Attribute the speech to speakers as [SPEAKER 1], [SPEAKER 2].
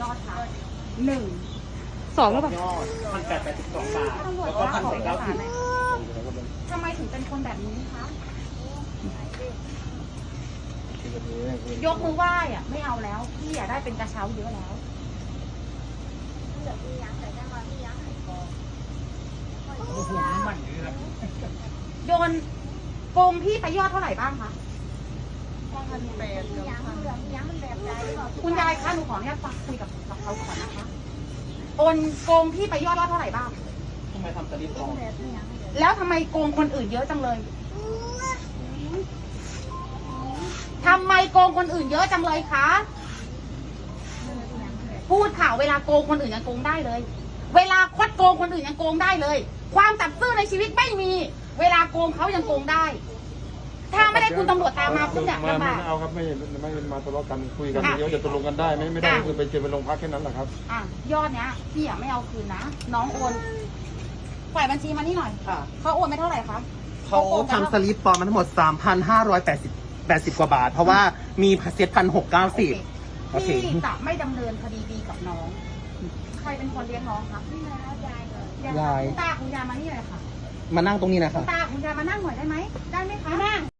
[SPEAKER 1] ยอดคะหนึ่ง
[SPEAKER 2] 2หรือเปล่า
[SPEAKER 3] ยอด1,882 บาท
[SPEAKER 1] ตำรวจ
[SPEAKER 3] แล้วก็
[SPEAKER 1] คะขอเอกสารหน่อย
[SPEAKER 3] 1,890
[SPEAKER 1] ทำไมถึงเป็นคนแบบนี้คะ ยกมือไหว้อะไม่เอาแล้วพี่อะได้เป็นกระเช้าเยอะแล้ว โดนโกงพี่ไปยอดเท่าไหร่บ้างคะคุณยายคะหนูขออนุญาตฟังคุยกับเขาก่อนนะคะโอนโกงพี่ไปยอดเท่าไหร่บ้าง
[SPEAKER 3] ทำไมทำสลิปปลอม
[SPEAKER 1] แล้วทำไมโกงคนอื่นเยอะจังเลยทำไมโกงคนอื่นเยอะจังเลยคะพูดข่าวเวลาโกงคนอื่นยังโกงได้เลย เวลาคดโกงคนอื่นยังโกงได้เลย ความสัตย์ซื่อในชีวิตไม่มี เวลาโกงเขายังโกงได้ ถ้าไม่ได้คุณตำรวจตามมาคุณเนี่ยลำบาก
[SPEAKER 4] ไม่เอาครับไม่มาทะเลาะกันคุยกันเยอะจะตกลงกันได้ไม่ได้คือไปเจอไปโรงพักแค่นั้นแหละครับ
[SPEAKER 1] อ่ะยอดเนี้ยพี่อ่ะไม่เอาคืนนะน้องโอนฝ่ายบัญชีมานี่หน่อย
[SPEAKER 5] ค่ะ
[SPEAKER 1] เขาโอนไปเท่าไหร่คะ
[SPEAKER 5] เขาทำสลิปปลอมมาทั้งหมด 3,580 กว่าบาท เพราะว่ามีเซ็ต1,690 โอเค
[SPEAKER 1] พี่จะไม่ดำเนินคดีดีกับน้อง ใครเป็นคนเลี้ยงน้องคะยายคุณตาคุณยายมานี่เลยค่ะ
[SPEAKER 5] มานั่งตรงนี้นะ
[SPEAKER 1] คุ
[SPEAKER 5] คะ
[SPEAKER 1] ณตาคุณยายมานั่งหน่อยได้ไหมได้ไหมคะนั่ง